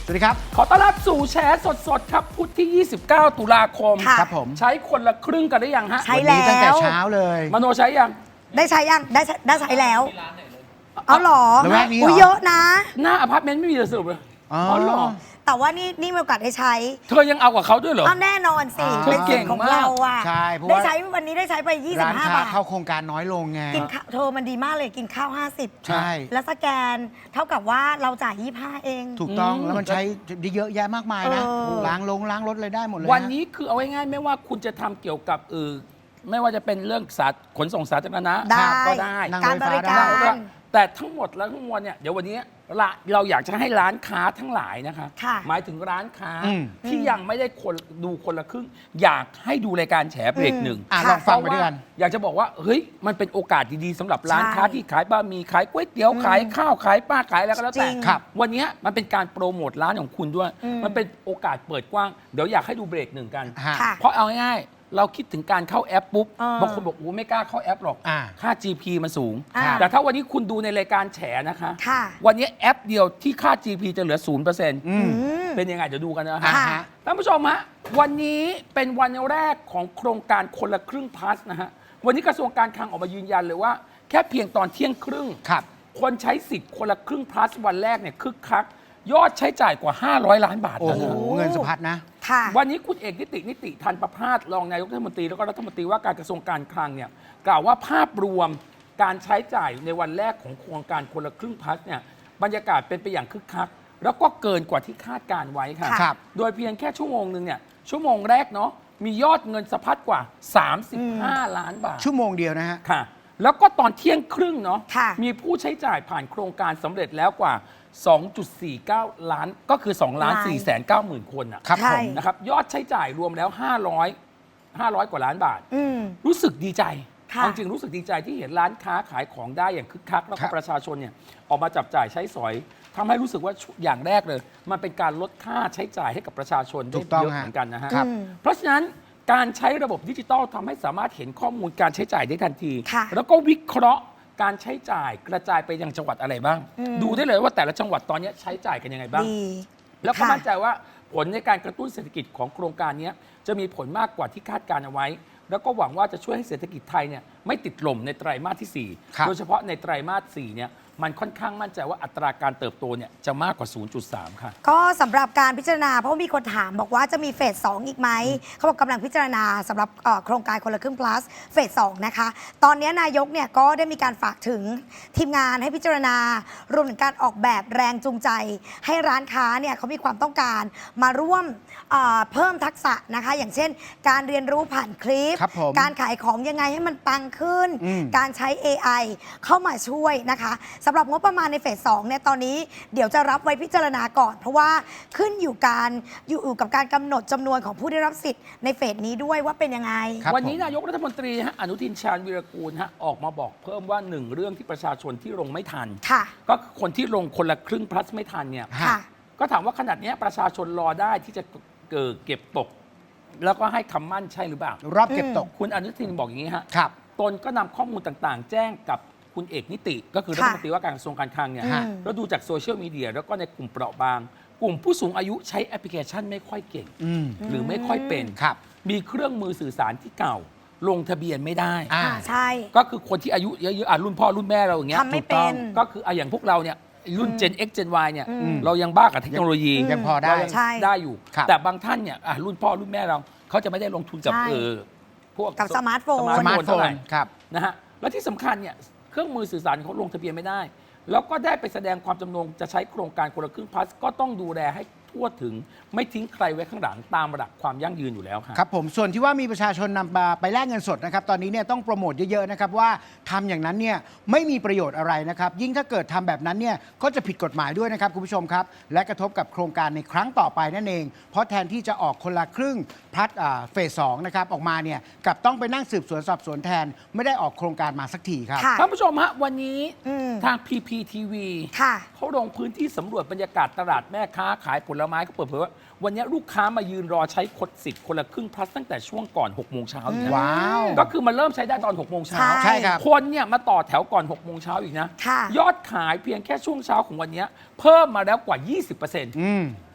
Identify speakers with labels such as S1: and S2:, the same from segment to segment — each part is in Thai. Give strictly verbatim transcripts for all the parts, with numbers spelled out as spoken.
S1: สวัสดีครับ
S2: ขอต้อนรับสู่แชร์สดๆครับพุธที่ ยี่สิบเก้า ตุลาคม
S1: ครับผม
S2: ใช้คนละครึ่งกันได้ยังฮะ
S1: ใช้แล้วตั้งแต่เช้าเลย
S2: มโนใช้ยัง
S3: ได้ใช้ยังได้ใช้ได้ใช้แล้วเอาหรอ
S1: ระแวกนี้เหรอ
S3: อุ้ยเยอะนะ
S2: หน้าอพาร์ตเมนต์ไม่มีเลยสรุปเลย
S1: อ๋อ
S2: อ๋อเหรอ
S3: แต่ว่านี่นี่มีโอกาสได้ใช้
S2: เธอยังเอากับเขาด้วยเหรอ
S3: เอาแน่นอนสิ
S1: อ่า
S3: เป็นสิทธิ์ของเราอ่ะ
S1: ใช่เพราะ
S3: ได้
S1: ว่า
S3: ใช้วันนี้ได้ใช้ไป
S1: ร้าน
S3: ยี่สิบห้า
S1: ค้า
S3: บาท
S1: เข้าโครงการน้อยลงไง
S3: กินข้าวเธอมันดีมากเลยกินข้าว ห้าสิบ
S1: ใช่
S3: แล้วสแกนเท่ากับว่าเราจ่ายยี่สิบห้าเอง
S1: ถูกต้อง
S2: อืม
S1: แล้วมันใช้ได้เยอะแยะมากมายนะ
S3: เออ
S1: ล้างลงล้างรถเลยได้หมดเลย
S2: วันนี้คือเอาง่ายๆไม่ว่าคุณจะทำเกี่ยวกับเออไม่ว่าจะเป็นเรื่องสาธขนส่งสาธารณะ
S3: ได้
S2: ก็ได้
S1: นั่ง
S3: การ
S1: รถ
S3: บ
S1: ไฟฟ้า
S3: ริ
S1: ได้
S3: การ
S2: แต่ทั้งหมดแล้วทั้งมวลเนี่ยเดี๋ยววันนี้ละเราอยากจะให้ร้านค้าทั้งหลายนะคะ
S3: ค่ะ
S2: หมายถึงร้านค้า
S1: อืม
S2: ที่ยังไม่ได้คนดูคนละครึ่ง อยากให้ดูรายการแฉเบรกหนึ่ง
S1: อ่ะ
S3: ค่ะ
S1: ลองฟังไปด้วยกัน
S2: อยากจะบอกว่าเฮ้ยมันเป็นโอกาสดีๆสำหรับร้าน
S3: ใช่
S2: ค้าที่ขายบะหมี่ขายก๋วยเตี๋ยวขายข้าวขายป้าขายอะไรก็แล้ว
S3: จ
S2: แต่
S3: ริง
S1: ครับ
S2: วันนี้มันเป็นการโปรโมทร้านของคุณด้วย
S3: อืม
S2: มันเป็นโอกาสเปิดกว้างเดี๋ยวอยากให้ดูเบรกหนึ่งกัน
S1: ฮะ
S3: ค่ะ
S2: เพราะเอาง่ายๆเราคิดถึงการเข้าแอปปุ๊บ
S3: เออ
S2: บางคนบอกโอ้ไม่กล้าเข้าแอปหรอก
S1: อ่า
S2: ค่า จี พี มันสูง
S3: อ่า
S2: แต่ถ้าวันนี้คุณดูในรายการแฉนะคะ
S3: ค่ะ
S2: วันนี้แอปเดียวที่ค่า จี พี จะเหลือ ศูนย์เปอร์เซ็นต์
S1: อืม
S3: อืม
S2: เป็นยังไงเดี๋ยวดูกันนะ
S1: อ่า
S2: ฮะ
S1: ฮะ
S2: ท่านผู้ชมฮะวันนี้เป็นวันแรกของโครงการคนละครึ่งพลัสนะฮะวันนี้กระทรวงการคลังออกมายืนยันเลยว่า แค่เพียงตอนเที่ยงครึ่ง
S1: ครับ
S2: คนใช้สิทธิ์คนละครึ่งพลัสวันแรกเนี่ยคึกคัก ยอดใช้จ่ายกว่า ห้าร้อย ล้านบาท
S1: โอ้
S2: แล้ว
S1: โห
S2: นะ
S1: เงินสะพัดนะ
S3: ค่ะ
S2: วันนี้คุณเอกนิตินิติทันประภาสรองนายกรัฐมนตรีแล้วก็รัฐมนตรีว่าการกระทรวงการคลังเนี่ยกล่าวว่าภาพรวมการใช้จ่ายในวันแรกของโครงการคนละครึ่งพลัสเนี่ยบรรยากาศเป็นไปอย่างคึกคัก แล้วก็เกินกว่าที่คาดการไว้ค่ะ
S1: ครับ
S2: โดยเพียงแค่ชั่วโมงหนึ่งเนี่ยชั่วโมงแรกเนาะมียอดเงินสะพัดกว่า สามสิบห้า ล้านบาท
S1: ชั่วโมงเดียวนะฮะ
S2: ค่ะ แล้วก็ตอนเที่ยงครึ่งเนาะ
S3: ค่ะ
S2: มีผู้ใช้จ่ายผ่านโครงการสำเร็จแล้วกว่า สองจุดสี่เก้า ล้าน ก็คือ สองล้านสี่แสนเก้าหมื่น คนอะ
S1: ครับ
S3: ใช่
S1: ผม
S2: นะครับยอดใช้จ่ายรวมแล้ว ห้าร้อย ห้าร้อย กว่าล้านบาท
S3: อืม
S2: รู้สึกดีใจ
S3: ค่ะ
S2: เอาจริงรู้สึกดีใจที่เห็นร้านค้าขายของได้อย่างคึกคัก แล้ว
S1: ครั
S2: ก็
S1: บ
S2: ประชาชนเนี่ยออกมาจับจ่ายใช้สอยทำให้รู้สึกว่าอย่างแรกเลย มันเป็นการลดค่าใช้จ่ายให้กับประชาชน
S1: ถู
S2: ได้
S1: กต้อง
S2: เยอะ
S1: ฮะ
S2: เหมือนกันนะฮะ
S1: ครับ
S3: อืม
S2: เพราะฉะนั้นการใช้ระบบดิจิทัลทำให้สามารถเห็นข้อมูลการใช้จ่ายได้ทันที
S3: ค่ะ
S2: แล้วก็วิเคราะห์การใช้จ่ายกระจายไปยังจังหวัดอะไรบ้าง
S3: อืม
S2: ดูได้เลยว่าแต่ละจังหวัดตอนนี้ใช้จ่ายกันยังไงบ้าง
S3: ดี
S2: แล้วก็
S3: ค่ะ
S2: มั่นใจว่าผลในการกระตุ้นเศรษฐกิจของโครงการนี้จะมีผลมากกว่าที่คาดการเอาไว้ แล้วก็หวังว่าจะช่วยให้เศรษฐกิจไทยเนี่ยไม่ติดลมในไตรมาสที่
S1: ครับ
S2: 4 โดยเฉพาะในไตรมาสสี่เนี่ยมันค่อนข้างมั่นใจว่าอัตราการเติบโตเนี่ยจะมากกว่า ศูนย์จุดสาม ค่ะ
S3: ก็สำหรับการพิจารณาเพราะว่ามีคนถามบอกว่าจะมีเฟสสองอีกไหม เขาบอกกำลังพิจารณาสำหรับเอ่อโครงการคนละครึ่ง plus เฟสสองนะคะ ตอนนี้นายกเนี่ยก็ได้มีการฝากถึงทีมงานให้พิจารณารวมถึงการออกแบบแรงจูงใจ ให้ร้านค้าเนี่ยเขามีความต้องการมาร่วมเอ่อเพิ่มทักษะนะคะ อย่างเช่น การเรียนรู้ผ่านคลิป
S1: ครับผม
S3: การขายของยังไงให้มันปังขึ้น
S1: อืม
S3: การใช้ เอ ไอ เข้ามาช่วยนะคะสำหรับงบประมาณในเฟสสองเนี่ยตอนนี้เดี๋ยวจะรับไว้พิจารณาก่อน เพราะว่าขึ้นอยู่การอยู่กับการกำหนดจำนวนของผู้ได้รับสิทธิ์ในเฟสนี้ด้วยว่าเป็นยังไง
S1: ครับ
S2: วันนี้
S1: ผม
S2: นายกรัฐมนตรีฮะอนุทินชาญวีรกูลฮะออกมาบอกเพิ่มว่าหนึ่งเรื่องที่ประชาชนที่ลงไม่ทัน
S3: ค่ะ
S2: ก็คือคนที่ลงคนละครึ่ง plus ไม่ทันเนี่ย
S3: ค่ะ
S2: ก็ถามว่าขนาดเนี้ยประชาชนรอได้ที่จะเกิดเก็บตก แล้วก็ให้คำมั่นใช่หรือเปล่า
S1: รอบเก็บตก
S2: คุณอนุทินบอกอย่างนี้ฮะ
S1: ครับ
S2: ตนก็นำข้อมูลต่างๆ แจ้งกับคุณเอกนิติ ก็คือรัฐมนตรีว่าการกระทรวงการคลังเนี่ย
S3: อืม
S2: แล้วดูจากโซเชียลมีเดียแล้วก็ในกลุ่มเปราะบาง กลุ่มผู้สูงอายุใช้แอปพลิเคชันไม่ค่อยเก่ง
S1: อืม
S2: หรือไม่ค่อยเป็น
S1: ครับ
S2: มีเครื่องมือสื่อสารที่เก่า ลงทะเบียนไม่ได้
S1: อ่า
S3: อ่าใช่
S2: ก็คือคนที่อายุเยอะๆอ่ะรุ่นพ่อรุ่นแม่เราอย่างเงี้ย
S3: ทำไม่
S2: ถูกต้อง
S3: เป็น
S2: ก็คืออ่ะอย่างพวกเราเนี่ยรุ่น Gen X Gen Y เนี่ย
S3: อืม
S2: เรายังบ้ากับเทคโนโลยี
S1: ยังพอได้
S2: เรายัง
S3: ใช่
S2: ได้อยู่
S1: ครับ
S2: แต่บางท่านเนี่ยอ่ะรุ่นพ่อรุ่นแม่เราเขาจะไม่ได้ลงทุนกับ
S3: ใช่
S2: เออพวก
S3: กับสมาร์ทโฟน
S1: สมาร์ทโฟ
S2: เท่าไห
S1: น
S2: ร่
S1: ครับ
S2: นะฮะและที่สำคัญเนี่ยเครื่องมือสื่อสารเขาลงทะเบียนไม่ได้ แล้วก็ได้ไปแสดงความจำนงจะใช้โครงการคนละครึ่งพลัสก็ต้องดูแลให้ทั่วถึงไม่ทิ้งใครไว้ข้างหลังตามหลักความยั่งยืนอยู่แล้วครับ
S1: ครับผมส่วนที่ว่ามีประชาชนนำมาไปแลกเงินสดนะครับตอนนี้เนี่ยต้องโปรโมทเยอะๆนะครับว่าทำอย่างนั้นเนี่ยไม่มีประโยชน์อะไรนะครับยิ่งถ้าเกิดทำแบบนั้นเนี่ยก็จะผิดกฎหมายด้วยนะครับคุณผู้ชมครับและกระทบกับโครงการในครั้งต่อไปนั่นเอง เพราะแทนที่จะออกคนละครึ่งพลัดอ่าเฟสสองนะครับออกมาเนี่ยกลับต้องไปนั่งสืบสวนสอบสวนแทน ไม่ได้ออกโครงการมาสักทีครับ
S3: ค่ะ
S2: ท่านผู้ชมฮะวันนี้
S3: อืม
S2: ทาง พี พี ที วี
S3: ค่ะ
S2: เขาลงพื้นที่สำรวจบรรยากาศตลาดแม่ค้าขายผลไม้เขาเปิดเผยว่าวันนี้ลูกค้ามายืนรอใช้คดสิทธิ์คนละครึ่งพลัสตั้งแต่ช่วงก่อนหกโมงเช้าอีกนะ
S1: ว้าว
S2: ก็คือมันเริ่มใช้ได้ตอนหกโมงเช้า
S3: ใช่
S1: ใช่ครับ
S2: คนเนี่ยมาต่อแถวก่อนหกโมงเช้าอีกนะ
S3: ค่ะ
S2: ยอดขายเพียงแค่ช่วงเช้าของวันนี้เพิ่มมาแล้วกว่า ยี่สิบเปอร์เซ็นต์
S1: อืม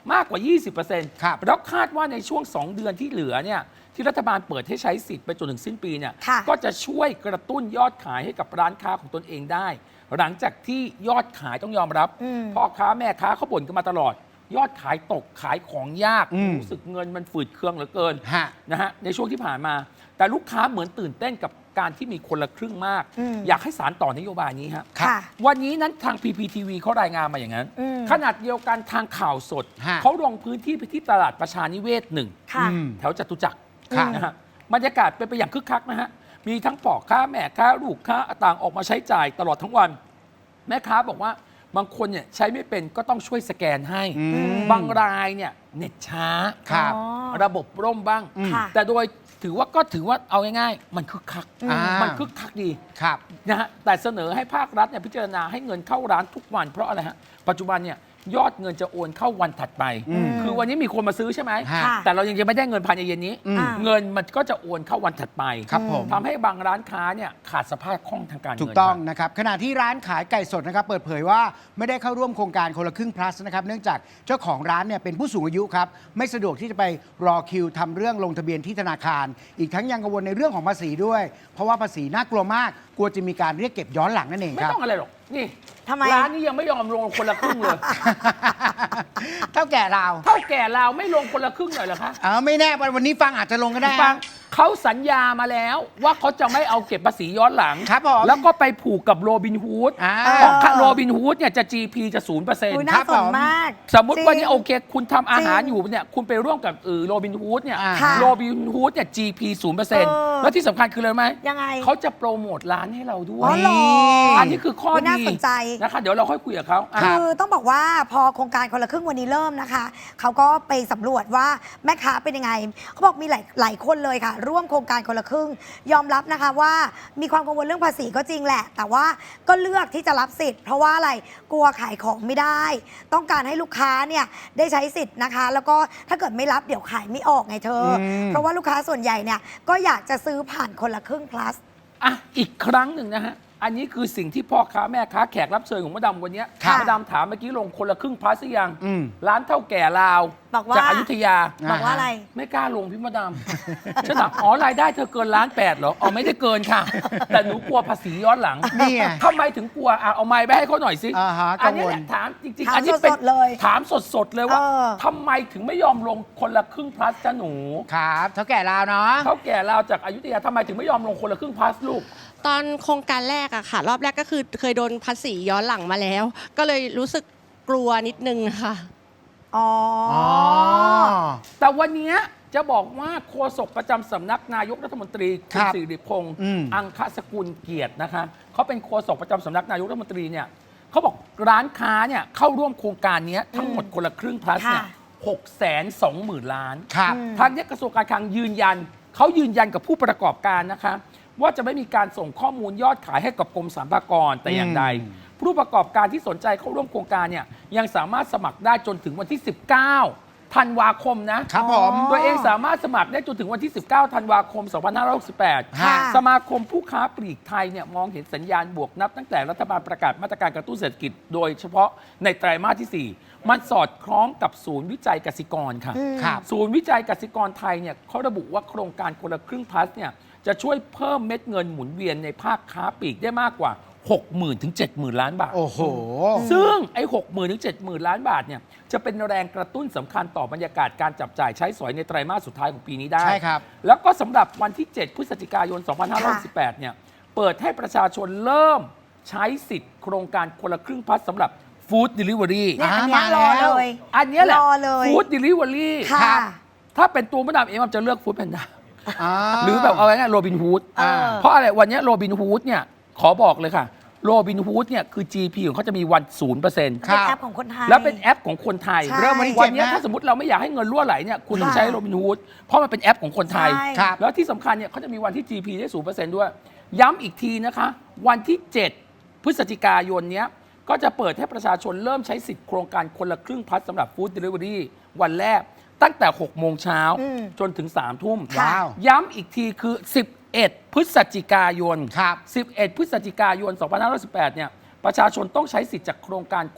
S2: มากกว่า ยี่สิบเปอร์เซ็นต์
S1: ครับ
S2: แล้วคาดว่าในช่วง สอง เดือนที่เหลือเนี่ยที่รัฐบาลเปิดให้ใช้สิทธิ์ไปจนถึงสิ้นปีเนี่ย
S3: ค่ะ
S2: ก็จะช่วยกระตุ้นยอดขายให้กับร้านค้าของตนเองได้ หลังจากที่ยอดขายต้องยอมรับ
S3: อืม
S2: พ่อค้าแม่ค้าเขาบ่นกันมาตลอด ยอดขายตกขายของยาก
S1: อืม
S2: รู้สึกเงินมันฝืดเคืองเหลือเกิน
S1: ฮะ
S2: นะฮะในช่วงที่ผ่านมา แต่ลูกค้าเหมือนตื่นเต้นกับการที่มีคนละครึ่งมาก
S3: อืม
S2: อยากให้สารต่อนโยบายนี้ฮะ
S1: ครับ
S3: ค่ะ
S2: วันนี้นั้นทาง พี พี ที วี เขารายงานมาอย่างนั้น
S3: อืม
S2: ขนาดเดียวกันทางข่าวสด
S1: ฮะ
S2: เขาลงพื้นที่ไปที่ตลาดประชานิเวศหนึ่ง
S3: ค่ะ
S1: อืม
S2: แถวจตุจักร
S1: ครับ
S2: นะฮะบรรยากาศเป็นไปอย่างคึกคักนะฮะมีทั้งพ่อค้าแม่ค้าลูกค้าต่างออกมาใช้จ่ายตลอดทั้งวัน แม่ค้าบอกว่าบางคนเนี่ยใช้ไม่เป็นก็ต้องช่วยสแกนให้
S1: อืม
S2: บางรายเนี่ยเน็ตช้า
S1: ครับ
S3: อ๋อ
S2: ระบบร่มบ้าง
S1: อืม
S3: ค่ะ
S2: แต่โดยถือว่าก็ถือว่าเอาง่ายๆ มันคึกคัก
S1: อ่ามั
S2: มันคึกคักดี
S1: ครับ
S2: นะฮะแต่เสนอให้ภาครัฐเนี่ยพิจารณาให้เงินเข้าร้านทุกวันเพราะอะไรฮะปัจจุบันเนี่ยยอดเงินจะโอนเข้าวันถัดไป
S1: อืม
S2: คือวันนี้มีคนมาซื้อใช่ไหม
S1: ฮะ
S3: ค่ะ
S2: แต่เรายังจะไม่ได้เงินภายในเย็นนี้
S1: อืม
S3: อ่า
S2: เงินมันก็จะโอนเข้าวันถัดไป
S1: ครับผม
S2: ทำให้บางร้านค้าเนี่ยขาดสภาพคล่องทางการเงิน
S1: ถูกต้อง
S2: ครับ
S1: นะครับขณะที่ร้านขายไก่สดนะครับเปิดเผยว่าไม่ได้เข้าร่วมโครงการคนละครึ่ง plus นะครับเนื่องจากเจ้าของร้านเนี่ยเป็นผู้สูงอายุครับไม่สะดวกที่จะไปรอคิวทำเรื่องลงทะเบียนที่ธนาคาร อีกทั้งยังกังวลในเรื่องของภาษีด้วย เพราะว่าภาษีน่ากลัวมาก กลัวจะมีการเรียกเก็บย้อนหลังนั่นเอง
S2: ไม่
S1: ครับ
S2: ต้องอะไรหรอกนี่
S3: ทำไม
S2: ร้านนี้ยังไม่ยอมลงคนละครึ่งเลย
S1: เท่าแก่เรา
S2: เท่าแก่เราไม่ลงคนละครึ่งหน่อยเหรอคะ
S1: เออไม่แน่วันนี้ฟังอาจจะลงก็ได้
S2: ฟังเขาสัญญามาแล้วว่าเขาจะไม่เอาเก็บภาษีย้อนหลัง
S1: ครับผม
S2: แล้วก็ไปผูกกับโรบินฮูด
S1: อ่า
S2: เพราะโรบินฮูดเนี่ยจะ จี พี จะศูนย์เปอร์เซ็น
S3: อุ้ย
S2: ต์
S3: น่า
S1: ครับ
S3: ส
S1: ผ
S3: น
S1: ม
S3: มาก
S2: สมมติว่านี่
S3: จริง
S2: โอเค คุณทำอาหาร
S3: จริง
S2: อยู่เนี่ยคุณไปร่วมกับเออโรบินฮูดเนี่ย
S1: อ่า
S3: ค่ะ
S2: โรบินฮูดเนี่ย จี พี ศูนย์เปอร์เซ็นต์
S3: เออ
S2: แล้วที่สำคัญคืออะไรรู้ไหม
S3: ยังไง
S2: เขาจะโปรโมทร้านให้เราด้ว
S3: อ๋
S2: ย
S3: อเหรอ
S2: อันนี้คือข้อ
S3: อุ๊ยน่า
S2: ดี
S3: สนใจ
S2: นะคะเดี๋ยวเราค่อยคุยกับเขาอ่ะ
S1: ครับ
S3: คือต้องบอกว่าพอโครงการคนละครึ่งวันนี้เริ่มนะคะ เขาก็ไปสำรวจว่าแม่ค้าเป็นยังไง เขาบอกมีหลายหลายคนเลยค่ะ ร่วมโครงการคนละครึ่ง ยอมรับนะคะว่ามีความกังวลเรื่องภาษีก็จริงแหละ แต่ว่าก็เลือกที่จะรับสิทธิ์ เพราะว่าอะไรกลัวขายของไม่ได้ ต้องการให้ลูกค้าเนี่ยได้ใช้สิทธิ์นะคะ แล้วก็ถ้าเกิดไม่รับเดี๋ยวขายไม่ออกไงเธออ
S1: ม
S3: เพราะว่าลูกค้าส่วนใหญ่เนี่ยก็อยากจะซื้อผ่านคนละครึ่ง plus
S2: อ่ะอีกครั้งหนึ่งนะฮะ อันนี้คือสิ่งที่พ่อค้าแม่ค้าแขกรับเชิญของมดดำวันเนี้ย
S3: ค่ะ
S2: มดดำถามเมื่อกี้ลงคนละครึ่งพาสหรือยัง
S1: อืม
S2: ร้านเท่าแก่ลาว
S3: บอกว่า
S2: จากอยุธยา
S3: บอกว่าอะไร
S2: ไม่กล้าลงพี่มดดำ ฉันถามอ๋อรายได้เธอเกินล้านแปดเหรออ๋อไม่ได้เกินค่ะ แต่หนูกลัวภาษีย้อนหลัง
S1: นี่ไง
S2: ทำไมถึงกลัวอ่ะเอาไม้ไปให้เขาหน่อยสิ
S1: อ่าฮะ
S2: อันนี้
S1: กังวล
S2: แหละถามจริง
S3: ถาม
S2: ๆ อันนี้เป็น
S3: สดๆเลย
S2: ถามสดๆเลยว่า
S3: เออ
S2: ทำไมถึงไม่ยอมลงคนละครึ่งพลัสจ้าหนู
S1: ครับเท่าแก่เราเนาะ
S2: เท่าแก่ลาวจากอยุธยาทำไมถึงไม่ยอมลงคนละครึ่งพลัสลูก
S4: ตอนโครงการแรกอะค่ะ รอบแรกก็คือเคยโดนภาษีย้อนหลังมาแล้ว ก็เลยรู้สึกกลัวนิดนึงค่ะ
S3: อ๋ออ
S1: อ๋อ
S2: แต่วันเนี้ยจะบอกว่าโฆษกประจำสำนักนายกรัฐมนตรี
S1: ค
S2: คุ
S1: รั
S2: ณ
S1: บ
S2: สิริพงษ์
S1: อืม
S2: อังคสกุลเกียรตินะคะเขาเป็นโฆษกประจำสำนักนายกรัฐมนตรีเนี่ยเขาบอกร้านค้าเนี่ยเข้าร่วมโครงการเนี้ยทั้งหมดคนละครึ่งพลัสเนี่ย
S3: ค่ะ
S2: หกแสนสองหมื่นล้าน
S1: ครับ
S3: อืม
S2: ทางเนี้ยกระทรวงการคลังยืนยันเขายืนยันกับผู้ประกอบการนะคะว่าจะไม่มีการส่งข้อมูลยอดขายให้กับกรมสรรพากรแต่อย่างใด
S1: อืม
S2: ผู้ประกอบการที่สนใจเข้าร่วมโครงการเนี่ยยังสามารถสมัครได้จนถึงวันที่ สิบเก้าธันวาคมนะครับ
S1: ผม
S2: ตัวเองสามารถสมัครได้จนถึงวันที่ สิบเก้าธันวาคม สองพันห้าร้อยหกสิบแปด
S1: ค่ะ
S2: สมาคมผู้ค้าปลีกไทยเนี่ยมองเห็นสัญญาณบวกนับตั้งแต่รัฐบาลประกาศมาตรการกระตุ้นเศรษฐกิจโดยเฉพาะในไตรมาสที่สี่มันสอดคล้องกับศูนย์วิจัยกสิกรค่ะ
S3: อืม
S1: ครับ
S2: ศูนย์วิจัยกสิกรไทยเนี่ยเขาระบุว่าโครงการคนละครึ่งพลัสเนี่ยจะช่วยเพิ่มเม็ดเงินหมุนเวียนในภาคค้าปลีกได้มากกว่า หกหมื่น ถึง เจ็ดหมื่น ล้านบาท
S1: โอ้โห
S2: ซึ่งไอ้หกหมื่นถึงเจ็ดหมื่นล้านบาทเนี่ยจะเป็นแรงกระตุ้นสำคัญต่อบรรยากาศการจับจ่ายใช้สอยในไตรมาสสุดท้ายของปีนี้ได้
S1: ใช่ครับ
S2: แล้วก็สำหรับวันที่ เจ็ด พฤศจิกายน สองพันห้าร้อยหกสิบแปด เนี่ยเปิดให้ประชาชนเริ่มใช้สิทธิ์โครงการคนละครึ่งพลัสสำหรับฟู้ดเดลิเวอรี่
S3: เนี่ยอันเนี้ย
S1: อ่าร
S3: อ
S1: มาแล้ว
S3: เลย
S2: อันเนี้ยแหละ
S3: รอเลย
S2: ฟู้ดเดลิเวอรี่
S3: ค่ะ
S2: ถ้าเป็นตัวมะดามเองมันจะเลือกฟู้ดแพนด้า
S1: อ่า
S2: หรือแบบเอาไว้ง่ายโรบินฮูด
S3: เออ
S2: เพราะอะไรวันนี้โรบินฮูดเนี่ยขอบอกเลยค่ะโรบินฮูดเนี่ยคือ จี พี ของเขาจะมีวันศูนย์เปอร์เซ็นต์
S3: เป็นแอปของคนไทย
S2: แล้วเป็นแอปของคนไทย
S3: ใช่
S1: เริ่มวันที่
S2: วั
S1: เจ็ด
S2: นี้
S1: นะ
S2: ถ้าสมมติเราไม่อยากให้เงินรั่วไหลเนี่ยคุณต้อง
S3: ค่ะ
S2: ใช้โรบินฮูดเพราะมันเป็นแอปของคนไทย
S3: ใช่
S1: ครับ
S2: แล้วที่สำคัญเนี่ยเขาจะมีวันที่ จี พี ได้ศูนย์เปอร์เซ็นต์ด้วย ย้ำอีกทีนะคะ วันที่ เจ็ด พฤศจิกายนเนี้ยก็จะเปิดให้ประชาชนเริ่มใช้สิทธิ์โครงการคนละครึ่งพลัสสำหรับฟู้ดเดลิเวอรี่วันแรกตั้งแต่หกโมงเช้า
S3: อืม
S2: จนถึงสามทุ่ม
S1: ว้าว
S2: ย้ำอีกทีคือ สิบเอ็ด พฤศจิกายน
S1: ครับ
S2: สิบเอ็ด พฤศจิกายน สองพันห้าร้อยสิบแปด เนี่ย ประชาชนต้องใช้สิทธิ์จากโครงการคน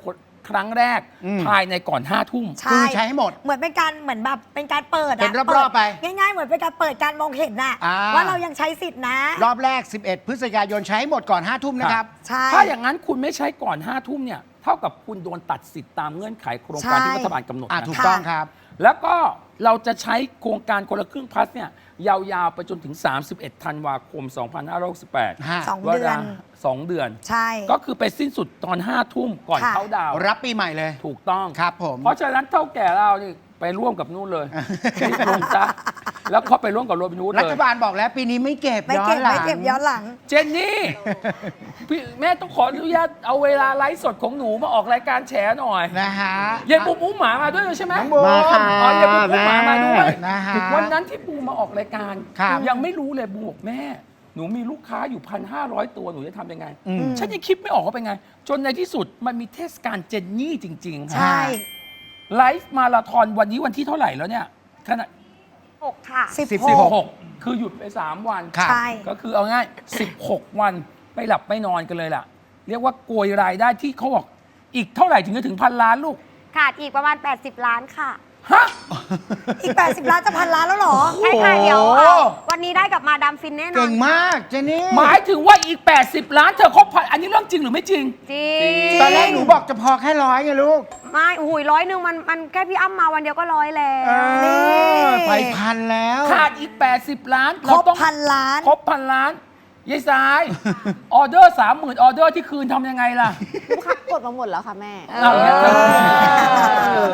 S2: ครั้งแรก
S1: อืม
S2: ภายในก่อนห้าทุ่ม
S3: ใช่
S1: คือใช้ให้หมด
S3: เหมือนเป็นการเหมือนแบบเป็นการเปิดะ
S1: เป็นรอบๆไป
S3: เปิดง่ายๆ เหมือนเป็นการเปิดการมองเห็นน่ะ
S1: อ่า
S3: ว่าเรายังใช้สิทธินะ
S1: รอบแรก สิบเอ็ด พฤศจิกายนใช้ให้หมดก่อนห้าทุ่มนะครับ
S3: ใช่
S2: ถ้าอย่างนั้นคุณไม่ใช้ก่อนห้าทุ่มเนี่ยเท่ากับคุณโดนตัดสิทธิ์ตามเงื่อนไขโครงการที่
S3: ใช่
S2: รัฐบาลกำหนด
S1: อ่ะ
S2: นะ
S1: ถูก
S3: ค่ะ
S1: ต้องครับ
S2: แล้วก็เราจะใช้โครงการคนละครึ่งพลัสเนี่ยยาวๆไปจนถึง สามสิบเอ็ด ธันวาคม สองพันห้าร้อยหกสิบแปด
S1: ฮะ
S3: สองเดือน
S2: สองเดือน
S3: ใช่
S2: ก็คือไปสิ้นสุดตอนห้าทุ่มก่อน
S3: ค่ะ
S2: เขาดาวน์
S1: รับปีใหม่เลย
S2: ถูกต้อง
S1: ครับผม
S2: เพราะฉะนั้นเท่าแก่เรานี่ไปร่วมกับนู่นเลยที่ลงซะแล้วเขาไปร่วมกับโรบินฮูด
S1: รั
S2: เล
S1: ฐ
S2: ย
S1: บาลบอกแล้วปีนี้ไม่เก็บ
S3: ไม่
S1: ย้อ
S3: เก็
S1: น
S3: บ
S1: หลัง
S3: ไม่เก็บย้อนหลัง
S2: เจนนี่พี่แม่ต้องขออนุญาตเอาเวลาไลฟ์สดของหนูมาออกรายการแฉหน่อย
S1: นะฮะ
S2: ยายบูมอุ้มหมามาด้วยใช่ไหม
S1: น้องบูม
S5: มาค่ะ
S2: อ๋อยายบูมอุ้มหมามาด้วย
S1: นะฮะ
S2: วันนั้นที่บูมมาออกรายการ
S1: ครับ
S2: ยังไม่รู้เลยบูมบอกแม่ หนูมีลูกค้าอยู่พันห้าร้อยตัวหนูจะทำยังไง
S1: อืม
S2: ฉันยังคิดไม่ออกว่าเป็นไง จนในที่สุดมันมีเทศกาลเจนนี่จริงๆ
S3: ใช่
S2: ไลฟ์มาราธอนวันนี้วันที่เท่าไหร่แล้วเนี่ยขณะ
S3: หกค่ะสิบ
S1: สิบ
S3: ห
S2: สิบ
S3: ก
S2: หกคือหยุดไป สาม วัน
S1: ครับ
S3: ใช่
S2: ก็คือเอาง่าย สิบหก วันไม่หลับไม่นอนกันเลยล่ะ เรียกว่าโกยรายได้ที่เขาบอกอีกเท่าไหร่ถึงจะถึงพันล้านลูก
S6: ขาดอีกประมาณ แปดสิบ ล้านค่ะ
S2: ฮะ
S3: อีก แปดสิบ ล้านจะพันล้านแล้วเหรอ
S6: ใช่ค่ะ
S1: โอ้โห
S6: เดี๋ยวเอ่อวันนี้ได้กับมาดามฟินแน่นอ
S1: เก่
S6: น
S1: งมากเจนี่
S2: หมายถึงว่าอีก แปดสิบ ล้านเธอครบพันอันนี้เรื่องจริงหรือไม่จริง
S6: จริง
S1: ตอนแรกหนูบอกจะพอแค่ร้อยไงลูก
S6: ไม่โอ้โหุยร้อยหนึ่งมันมันแค่พี่อ้ำมาวันเดียวก็ร้อยแล้
S1: เอ
S6: ว
S3: นี่
S1: อไปพันแล้ว
S2: ขาดอีก แปดสิบ ล้าน
S3: ครบ
S2: เาต้อง
S3: พันล้าน
S2: ครบพันล้านยายสาย ออเดอร์สามหมื่นออเดอร์ที่คืนทำยังไงล่ะ
S6: ลูกค้ากดมาหมดแล้วค่ะแม่
S2: เอาอย่างเงี้ยเธอก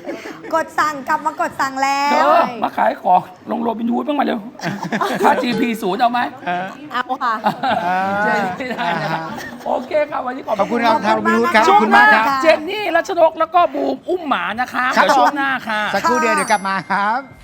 S3: ดสั่งกลับมากดสั่งแล้
S2: เธ
S3: ว
S2: อมาขายของลงโรบินฮูดบ้างมาเร็ว ค่า จี พี ศูนย์เอาไหม
S6: เอาค่ะ
S2: เจนไม่ได้นะครับโอเคครับวันนี้ขอบ
S1: ขอบคุณ
S2: ณ
S1: ครับ
S3: ขอบ
S1: ทาง
S3: คุณ
S1: บิว
S3: มาก
S1: ครับ
S3: นะ
S1: ขอบคุณมากครับ
S3: ะ
S2: เจนนี่รัชนกแล้วก็บูมอุ้มหมานะคะ
S1: ครับ
S2: เดี๋ยวช่ว
S1: ผ
S2: ง
S1: ม
S2: หน้าค่ะ
S1: สักครู่เดียวเดี๋ยวกลับมาครับ